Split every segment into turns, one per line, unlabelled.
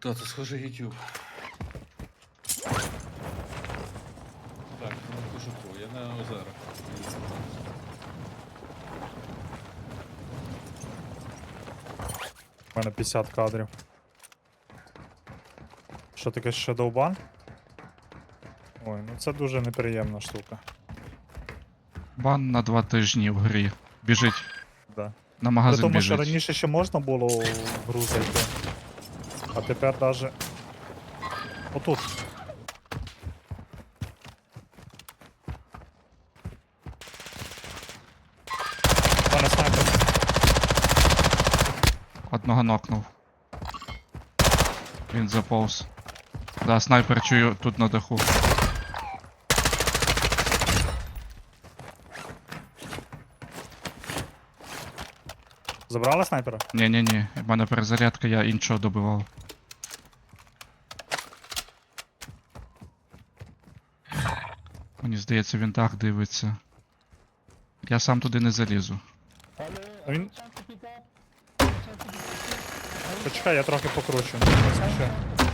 Та, це схоже YouTube. Так, на кожуху, я на озерах.
У мене 50 кадрів. Що таке Shadowban? Ой, ну це дуже неприємна штука.
Бан на 2 тижні в грі. Біжить.
Да.
На
При
магазин
тому, що
біжить.
раніше ще можна було в гру зайти. А тепер даже. Отут. У мене снайпер.
Одного нокнув. Він заповз. Да, снайпер чую тут на даху.
Забрала снайпера?
Ні-ні-ні, в мене перезарядка, я іншого добивав. Мені здається, він дах дивиться. Я сам туди не залізу.
Ну, він... Почекай, я трохи покручу. Ще.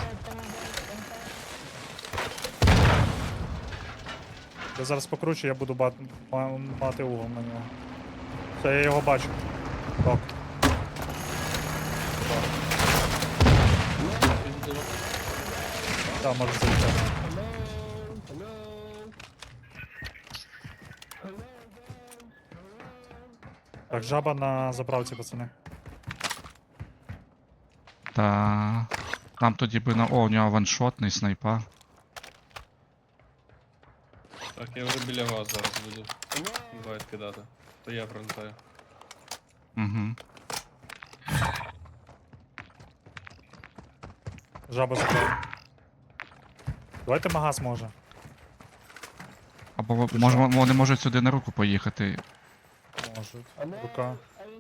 Я зараз покручу, я буду мати угол на нього. Все, я його бачу. Так. Так, може залітати. Так, жаба на заправці, пацани.
Та нам тоді би на... О, у нього ваншотний снайпа.
Так, я вже біля вас зараз буду. Інвайт кидати. То я пролетаю.
Угу.
Жаба заправила. Давайте магаз може.
Або вони можуть сюди на руку поїхати.
Можуть. Рука.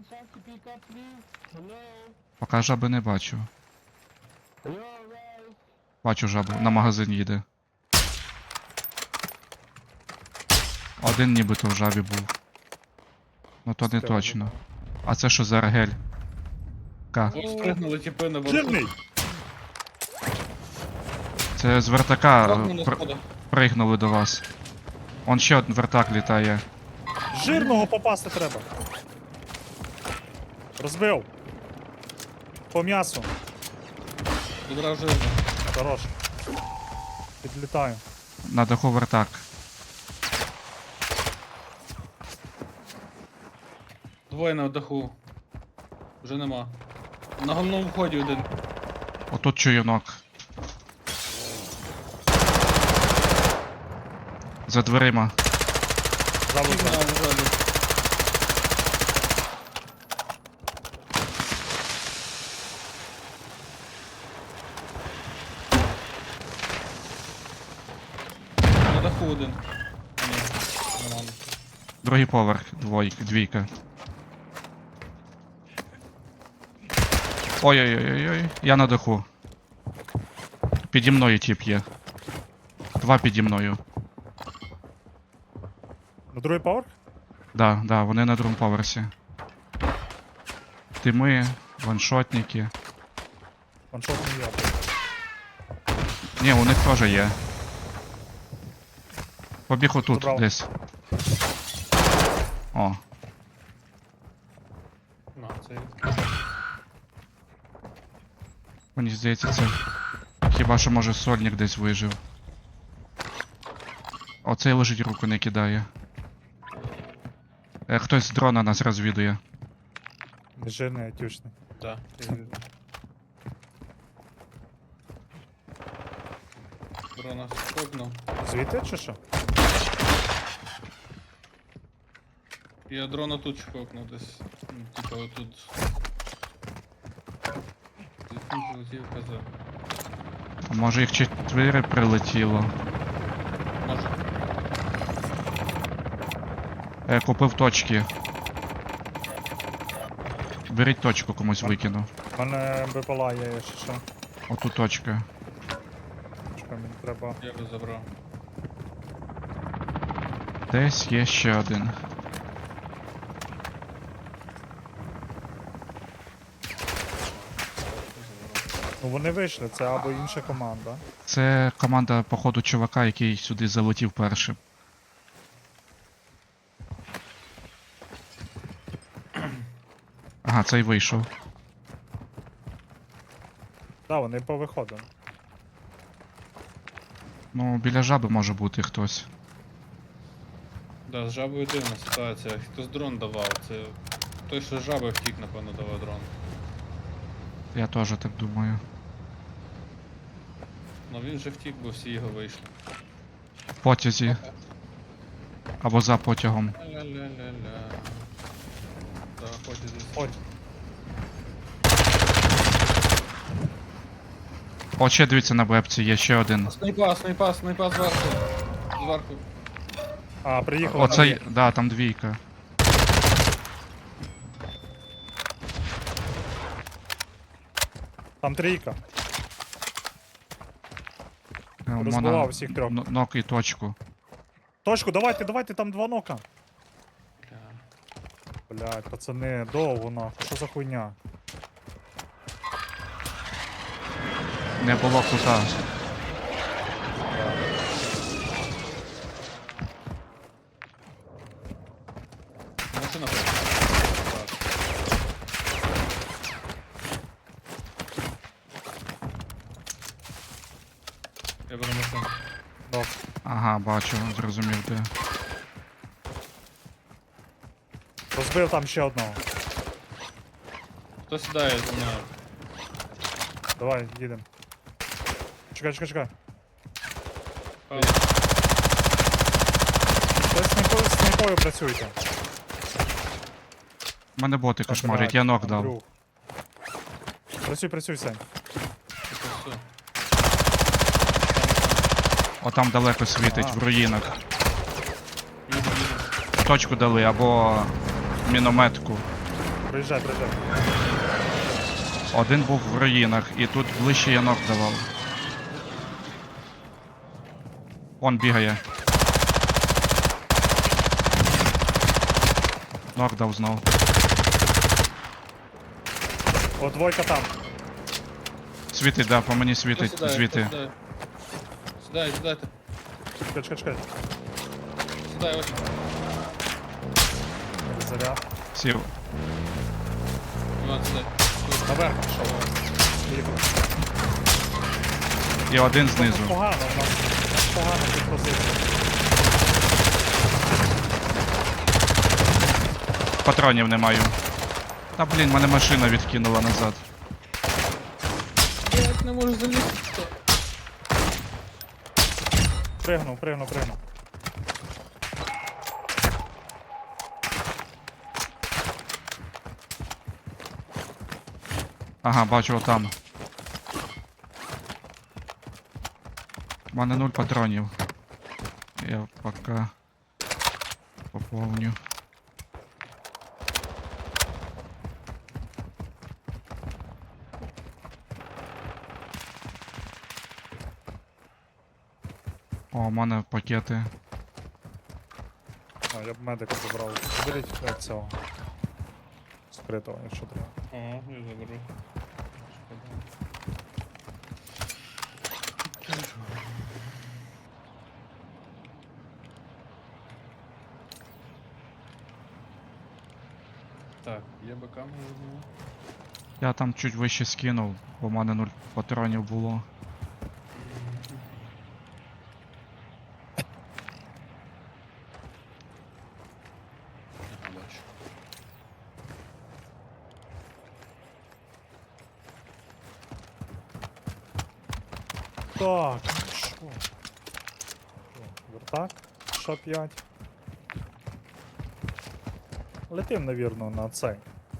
Поки жаби не бачу. Бачу жабу, на магазин їде. Один нібито в жабі був. Ну то не
Стерва.
точно. А це що за рагель? К.
От спригнули тіпи на
Жирний!
борту.
Це з вертака
Пригнули на сходах.
пригнули до вас. Он ще один вертак літає.
Жирного попасти треба. Розбив. По м'ясу.
Одразу жирно.
Хорош. Підлітаю.
На даху вертак.
Двоє на даху. Вже нема. На головному вході один.
Отут чуєнок. За дверима.
Жабу
На
знаю.
озері. На даху один. А, ні, нормально.
Другий поверх, двійка. Ой-ой-ой-ой, я на даху. Піді мною тип є. Два піді мною.
На другий поверх?
Да, вони на другому поверсі. Тими, ваншотники.
Ваншот не я.
Ні, у них теж є. Побіг отут
Забрав.
десь. О,
На, це
мені здається, це. Хіба що може сольник десь вижив. Оцей лежить, руку не кидає. Хтось з дрона нас розвідує.
Не жирний, а тючний.
Так. Дрона скопнув.
Звідти чи що?
Я дрона тут чхокнув десь. Ну, типа отут. Звідки прилетів казав.
А може їх 4 прилетіло.
Може.
Купив точки. Беріть точку, комусь викину.
У мене БПЛА є, якщо що.
Оту точка.
Чекай, мені треба.
Я би забрав.
Десь є ще один.
Ну вони вийшли, це або інша команда.
Це команда, походу, чувака, який сюди залетів першим. Ага, цей вийшов.
Да, вони повиходили.
Ну, біля жаби може бути хтось.
Да, з жабою дивна ситуація. Хтось дрон давав. Це той, що з жаби втік, напевно, давав дрон.
Я теж так думаю.
Ну він же втік, бо всі його вийшли.
В потязі. Або за потягом.
Ля-ля-ля-ля. Да, ході десь.
Ходь.
О, ще дивіться на вебці, є ще один.
Снайпа, снайпа, снайпа зверху. Зверху.
А, приїхали.
Оцей, да, там двійка.
Там трійка.
У
Розбивав
мене
всіх трьох.
Нок і точку.
Точку, давайте, давайте, там 2 нока.
Бля.
Блядь, пацани, довго нахуй, що за хуйня?
Не було кута.
Машина хоче. Так. Я беру машину.
Нок.
Ага, бачу, зрозумів де.
Розбив там ще одного.
Хто сідає зі мною?
Давай, їдемо. Чекай, чекай, чекай.
Павло.
Хтось з снайпою працюйте.
У мене боти
Так,
кошмарять,
блядь,
я нок дав.
Андрюх. Працюй, працюй, Сень.
Це все.
О, там далеко світить,
Ага.
в руїнах.
Їду, їду.
Точку дали або мінометку.
Приїжджай, приїжджай.
Один був в руїнах, і тут ближче я нок давав. Он бігає. Нок дав знов.
О, двойка там.
Світить, да, по мені
Хто
світить
сідає?
звідти.
Хто сідає? Сідай, сідайте.
Чекай, чекай, чекай.
Сідай, ось.
Заряд.
Сів.
Іван, сідай.
Наверх пішов. Поїхали.
І один
У
знизу.
нас погано, у нас погано тут позиція.
Патронів не маю. Та блін, мене машина відкинула назад.
Я не можу залізти.
Пригнув, пригнув, пригнув.
Ага, бачу отам. У мене 0 патронів. Я поки поповню. О, у мене пакети.
А, я б медика забрав. Заберіть цього. Скритого, якщо треба.
Ага, я заберу. Так, є БК можливо.
Я там чуть вище скинув, бо в мене 0 патронів було.
Ага, бачу.
Так, ну що? Вертак, ша 5. Летим, навірно, на цей.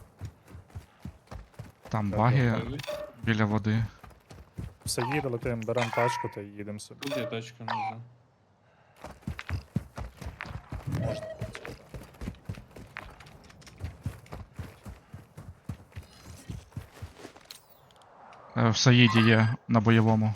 Там
Так,
баги
Ой,
біля води.
Все їде, летим, беремо тачку та їдемо собі.
Тут є тачка, не знаю.
Можна.
В Саїді є на бойовому.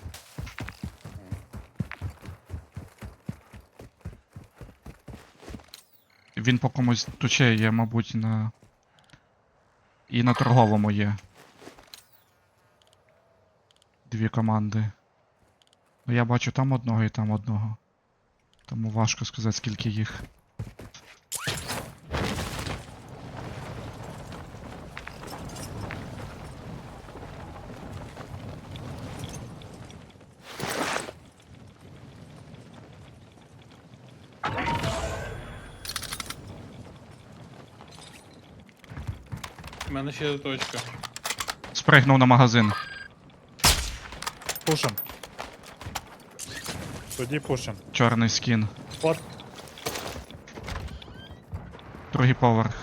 Він по комусь туче є, мабуть, на. І на торговому є. дві команди. Ну я бачу там одного і там одного. Тому важко сказати, скільки їх.
У мене ще є точка.
Спригнув на магазин.
Пушим. Тоді пушим.
Чорний скін.
От,
Другий поверх.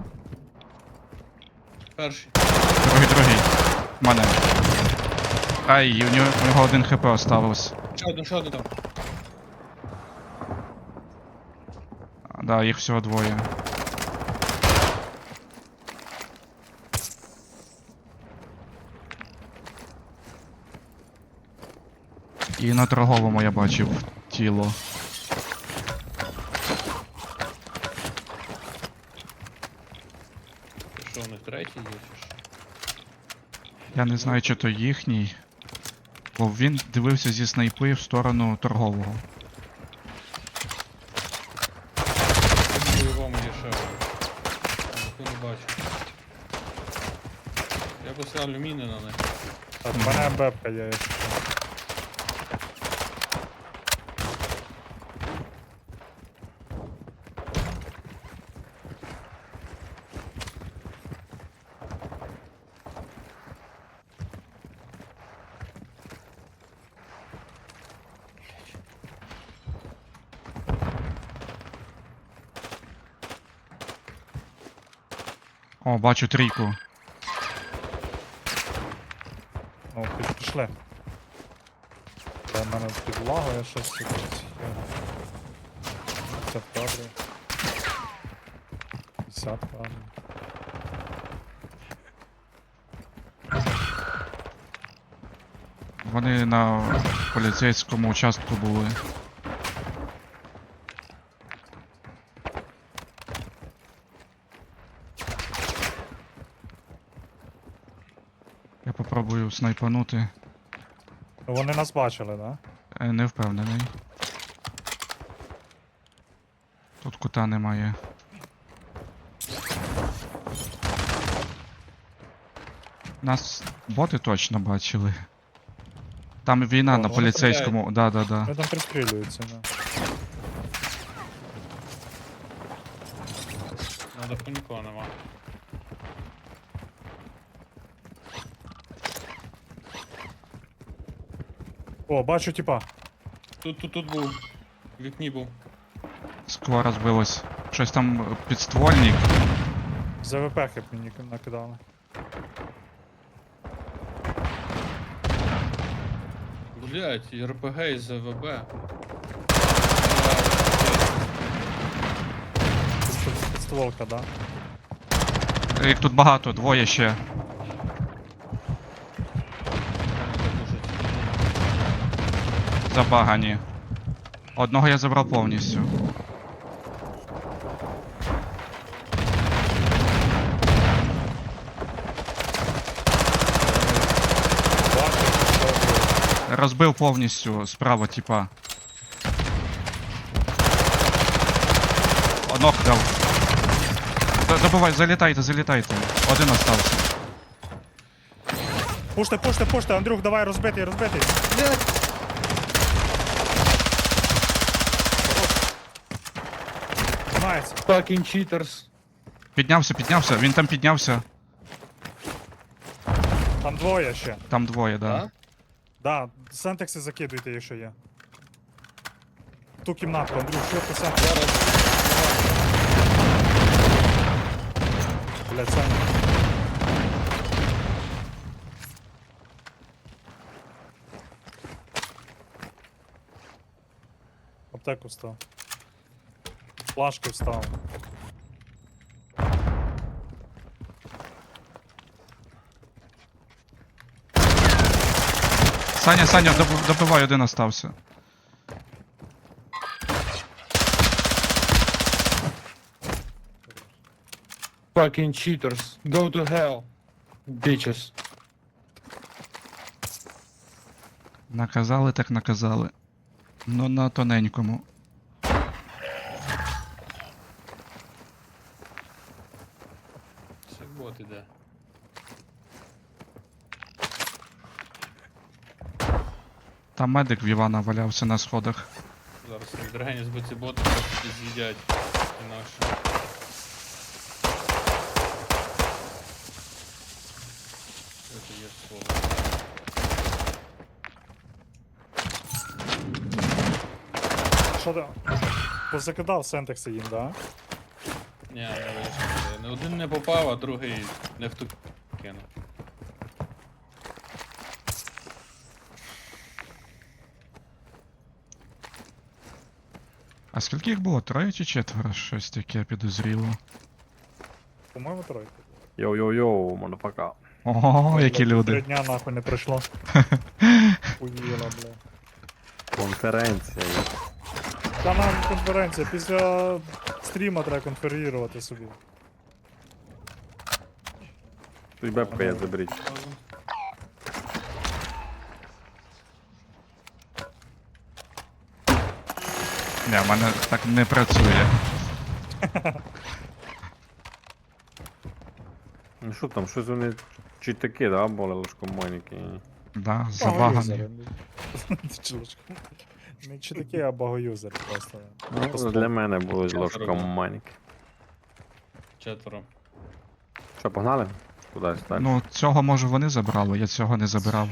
Перший.
Другий. В мене. Ай, у нього 1 хп оставилось.
Ще один там.
Да, їх всього двоє. І на торговому я бачив тіло.
Ти що, у них третій є чи що?
Я не знаю, чи то їхній. Бо він дивився зі снайпи в сторону торгового.
В бойовому є ще один. Я не бачу. Я поставлю міни на них.
так, в мене МБП є. Якщо що.
О, бачу трійку.
Ну, пішли. Де в мене підлагує щось. Це добре. 50 правильно.
Вони на поліцейському участку були. Я попробую снайпанути.
Ну, вони нас бачили, да?
Не впевнений. Тут кута немає. Нас боти точно бачили. Там війна
О,
на
вони
поліцейському. Да.
Вони там пристрілюються, да.
На даху нікого нема.
О, бачу типа.
Тут був. В вікні був.
Скло розбилось. Щось там підствольник.
ЗВП-хи мені накидали.
Блять, РПГ і ЗВБ.
Тут підстволка, да?
Їх тут багато, двоє ще. Забагані. Одного я забрав повністю.
Бачу, що
Розбив повністю справа, типа. Одного дав. Добивай, залітайте. Один остався.
Пуште, Андрюх, давай розбитий. Тримається.
Fucking cheaters.
Піднявся, він там піднявся.
Там двоє ще.
Там двоє, да.
Да?
Да, сентекси закидуйте, якщо є. Ту кімнатку, Андрюх, що ти сентекс?
Зараз.
Блять, Саня. Аптеку став. Флажки встав.
Саня, добивай, один остався.
Fucking cheaters. Go to hell. Bitches.
Наказали так наказали. Ну на тоненькому.
Це бот іде.
Там медик в Івана валявся на сходах.
Зараз відрегені збиті боти просто з'їдять інакше. Це є слово.
Що ти? Позакидав сентекси їм, да?
Ні, не вийшло. Не один не попав, а другий не в ту кинув.
А скільки їх було? Троє чи четверо? Щось таке підозріло.
По-моєму, тройка.
Йоу-йоу-йоу, мадафака.
Ого, які
Три
люди.
дня нахуй не пройшло. Уїла, бля.
Конференція. є.
Та нам конференція, після стріма треба конферувати собі.
Тут бебка є, заберіть.
Не, в мене так не працює.
Ну що там, щось вони чи такі, да, були лишкомойники.
Да, забагані.
Чулочка. Не чи такі, а багоюзер просто.
Ну, для мене будуть
Четверо,
ложкомойники.
Четверо.
Що, погнали? Кудись далі?
Ну, цього може вони забрали, я цього не забирав.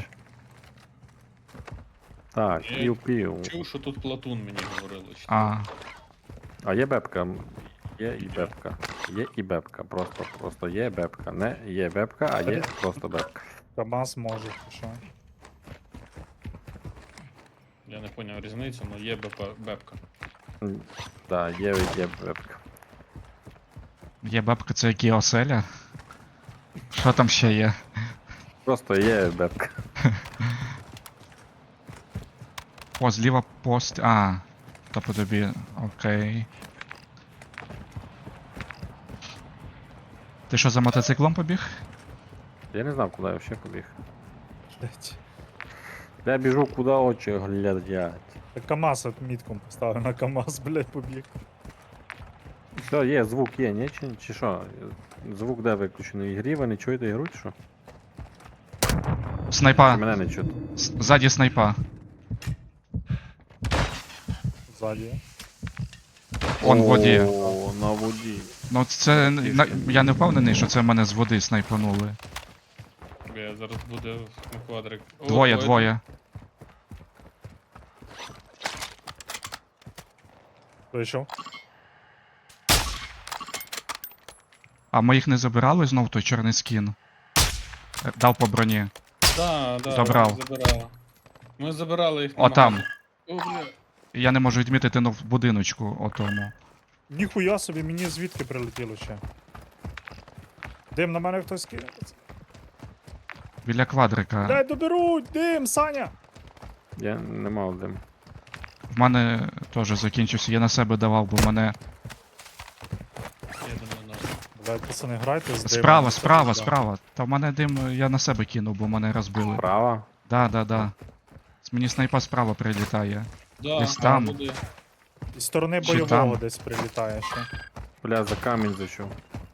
Так, пів-пів.
Чув, що тут Платун мені говорили. Що
А,
А є бебка? Є і бебка. Є і бебка. Просто є бебка. Не є бебка, а є просто бебка.
КамАЗ може, що?
Я не поняв різницю, але є бепка.
Так, є бебка.
є бабка, це які оселя? Що там ще є?
Просто є бебка.
О, зліва пост. А, то по тобі. Окей. Ти що за мотоциклом побіг?
Я не знав, куди я ще побіг.
Блять.
Я біжу, куди очі глядять.
Так КамАЗ от мітком поставив на КамАЗ, блять, побіг.
Все, є, звук є, ні? Чи що? Звук де виключений? Ігрі, ви не чуєте ігру, чи що?
Снайпа.
Мене не чути.
Ззаді снайпа.
Ззаді.
Он в воді.
О, на воді.
Ну це. Я не впевнений, що це мене з води снайпанули.
Я зараз буде в квадрик. О,
Двоє.
Вийшов.
А ми їх не забирали знов той чорний скін? Дав по броні.
Да,
Забрав.
забирали. Ми забирали їх.
О, там.
О, бля.
Я не можу відмітити, ну в будиночку отому.
Ніхуя собі, мені звідки прилетіло ще. Дим, на мене хтось кине.
Біля квадрика.
Дай доберуть! Дим, Саня!
Я не мав дим.
В мене теж закінчився. Я на себе давав, бо мене.
Я думаю, ну.
Блять, пацани, грайте з димом.
Справа. Та в мене дим, я на себе кинув, бо мене розбили.
Права?
Да. Мені снайпа справа прилітає.
Да,
Десь там.
буде.
Із сторони
Чи
бойового
там?
десь прилітає ще.
Бля, за камінь зайшов.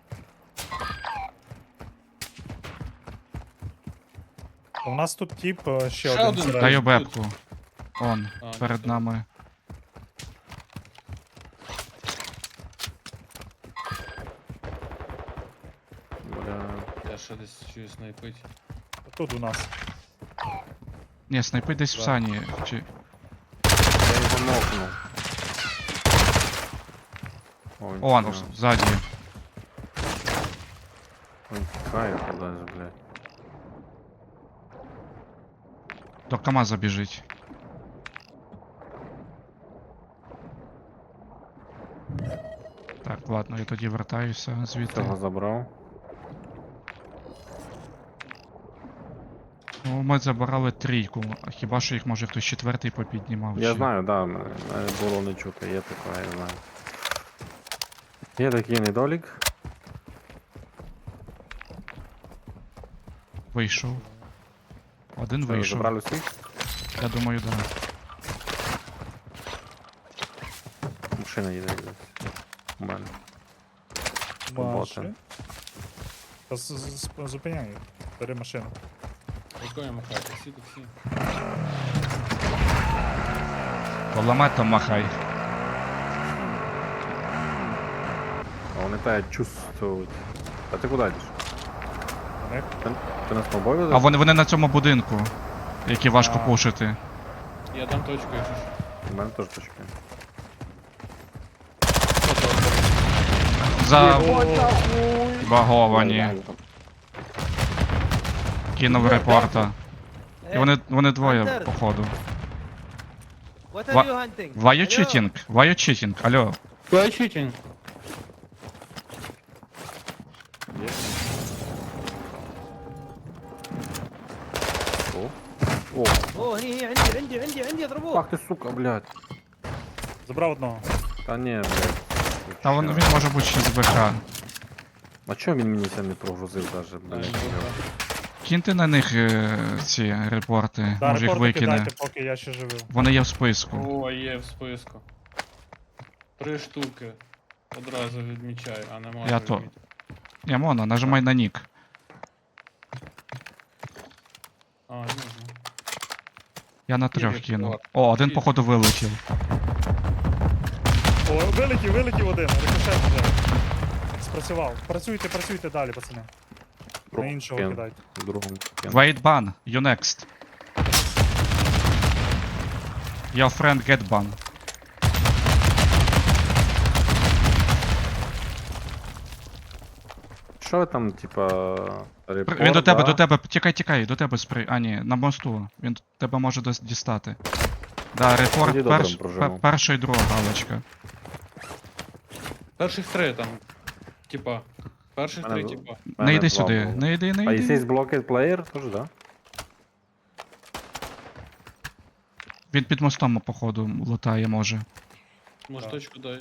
У нас тут тип ще
Ще
один.
один.
всередині.
Даю бебку. Он,
А,
перед
це-
нами.
Бля.
Я ще десь чую снайпить.
Тут у нас.
Ні, снайпи десь в
Да.
сані. Чи...
Я його нокнув. Ой,
Он,
бля.
ззаді.
Ой, тікає кудись, блядь.
До КамАЗа біжить. Так, ладно, я тоді вертаюся звідти.
Цього забрав.
Ну, ми забирали трійку, а хіба що їх може хтось четвертий попіднімав?
Я
чи-
знаю, да, мене було не чути, є таке, я знаю. Є такий недолік.
Вийшов. Один
Що,
вийшов.
забрали всіх?
Я думаю, да.
Машина їде десь. У мене.
Маши.
Боти.
Та зупиняй їх. Бери машину.
Якою махай, таксі, таксі.
Кулеметом махай.
А вони тебе чувствують. А ти куди йдеш?
Вони
Ти на сноуборді?
А вони на цьому будинку, який важко
А.
пушити.
Я дам точку, якщо що.
У мене теж точки.
Забаговані. Кинув репорта. І вони двоє,
Hunter.
походу.
What are
Ва-
you hunting?
Why you
Hello?
cheating? Why you cheating? Алло.
Why cheating?
Є. О. О.
اوه هني عندي اضربوه.
Ах ти сука, блядь.
забрав одного.
Та ні, блядь.
Та він може бути ще з БК.
А чого він мені це не прогрузив даже,
А,
блядь?
Киньте на них ці репорти,
Да,
може їх
репорти
викине.
кидайте, поки я ще живий.
Вони є в списку.
О, є в списку. 3 штуки. Одразу відмічаю, а не можу
Я то-
відмітити.
Ні, Мона, нажимай на нік.
А, не можна.
Я на 3
Є
кину.
репорт.
О, один
Є.
походу вилетів.
О, вилетів один. Рикошет вже. Спрацював. Працюйте далі, пацани. На іншого
Кен.
кидайте.
Другому. Кен.
Wait ban, you next. Your friend get ban.
Що ви там, типа, репорт,
Він
да?
до тебе, тікай, до тебе сприй. А, ні, на мосту. Він тебе може дістати. Да, репорт,
Тоді добре прожиму.
перша і друга галочка.
Перших 3 там. Типа. Перших
Мене
3,
в-
типа.
Не
Мене
йди
два
сюди,
було.
не йди,
А
не
якщо є
йди.
блокет плеєр, теж, да?
Він під мостом, походу, лутає може.
Може
Так.
точку дай.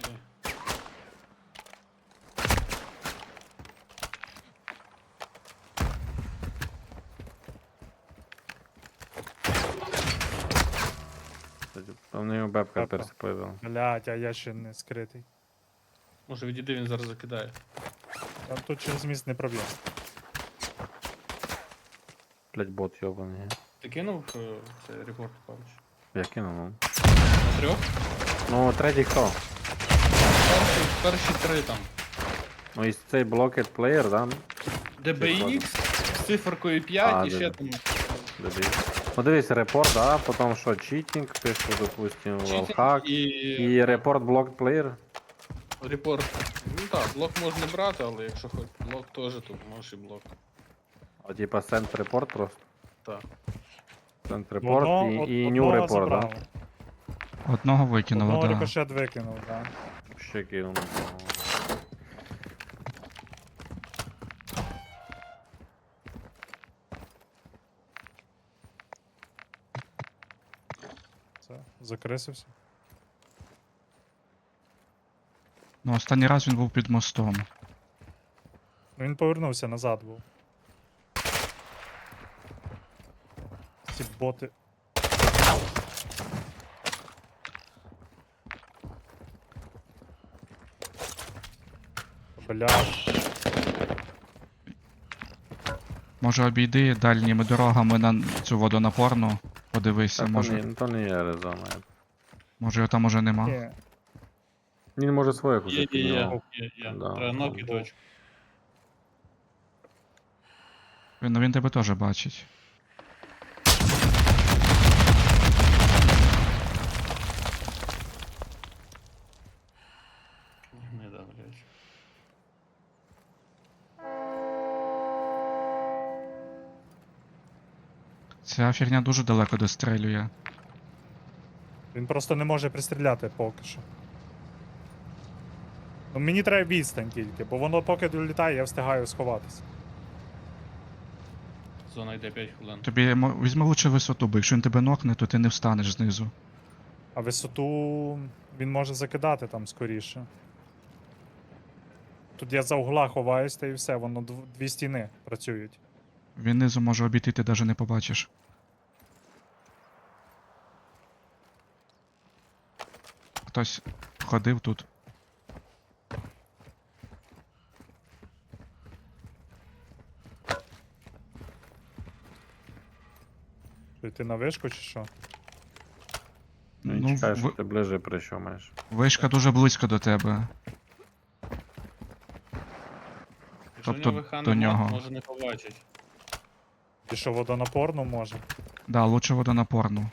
Там в нього бебка
Бебка.
перси появила.
Блять, а я ще не скритий.
Може відійди, він зараз закидає.
Там тут через міст не проб'є.
Блять, бот йобаний.
Ти кинув цей репорт, Павлович?
Я кинув, ну.
На 3?
Ну, третій хто?
Перші 3 там.
Ну, і цей блокет плеєр, да?
DBX з циферкою 5
А,
і ще
да.
там.
Дебій. Ну дивись, репорт, да, потім що, читінг, пишу, допустим,
читінг
валхак.
і
І репорт блокет плеєр.
репорт. Ну так, блок можна брати, але якщо хоч блок теж, то можеш і блок.
А типа сент репорт просто.
Так.
Сент репорт і new
одного
репорт, да?
забрав.
Одного викинуло,
Одного
да.
рикошет викинув, да.
Ще кинув.
Все, закрисився.
Ну, останній раз він був під мостом.
Ну він повернувся назад був. Ці боти. Блядь.
Може обійди дальніми дорогами на цю водонапорну. Подивися,
Та
може.
то не є резона.
Може його там уже нема.
Ні.
Він може своїх уже
Є.
підняв.
Є.
Да.
Треба ноки точку.
Він тебе теж бачить.
Не да, блядь.
Ця фігня дуже далеко дострелює.
Він просто не може пристріляти поки що. Ну мені треба відстань тільки, бо воно поки долітає, я встигаю сховатися.
Зона йде 5 хвилин.
Тобі візьми лучше висоту, бо якщо він тебе нокне, то ти не встанеш знизу.
А висоту він може закидати там скоріше. Тут я за угла ховаюсь, та і все, воно дві стіни працюють.
Він низу може обійти, ти навіть не побачиш. хтось ходив тут.
Що, йти на вишку чи що?
Ну, і
Ну,
чекай, що ти ближе прийшов майже.
вишка дуже близько до тебе.
Якщо в
Тобто
нього ВХ
до
нема,
нього.
може не побачить.
І що, водонапорну може?
Да, лучше водонапорну.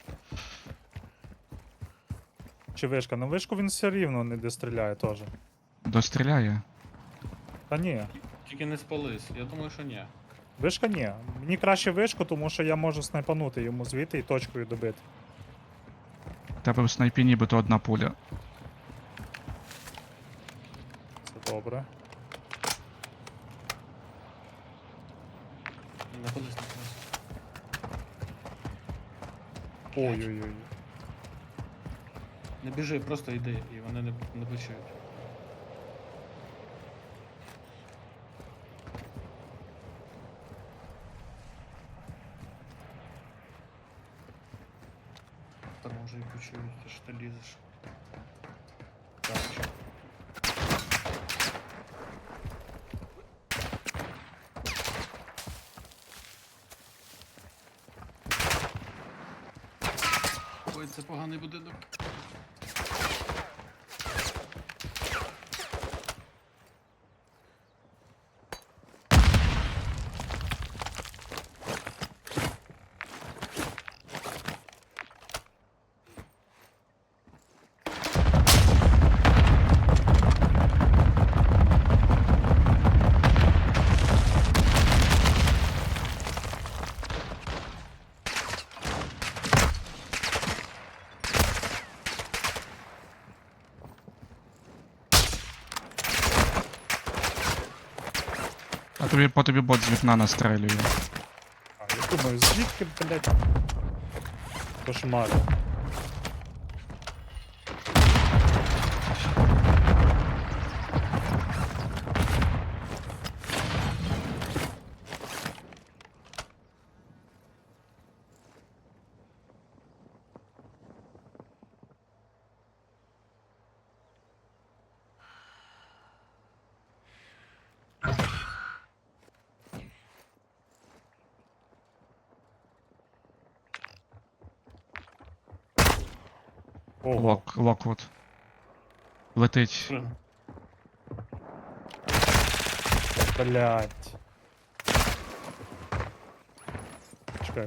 Чи вишка? Ну вишку він все рівно не достріляє теж.
Достріляє.
Та ні.
Тільки не спались. Я думаю, що ні.
Вишка ні. Мені краще вишку, тому що я можу снайпанути йому звідти і точкою добити.
В тебе в снайпі нібито одна пуля.
Це добре.
Не ходись, не ходись.
Ой-ой-ой.
Не біжи, просто йди, і вони не почують. Та може і почують, ти ж ти лізеш. Так, що? Ой, це поганий будинок.
А тобі по тобі бот з вікна настрелює.
А, я думаю, звідки, блядь? Кошмар. Ого.
Локвуд. Летить.
Що?
Блядь. Чекай.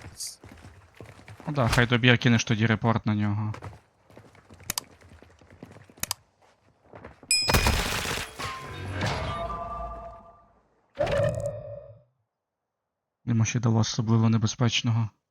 Ну да, хай доб'є, кинеш тоді репорт на нього. Йому ще дало особливо небезпечного.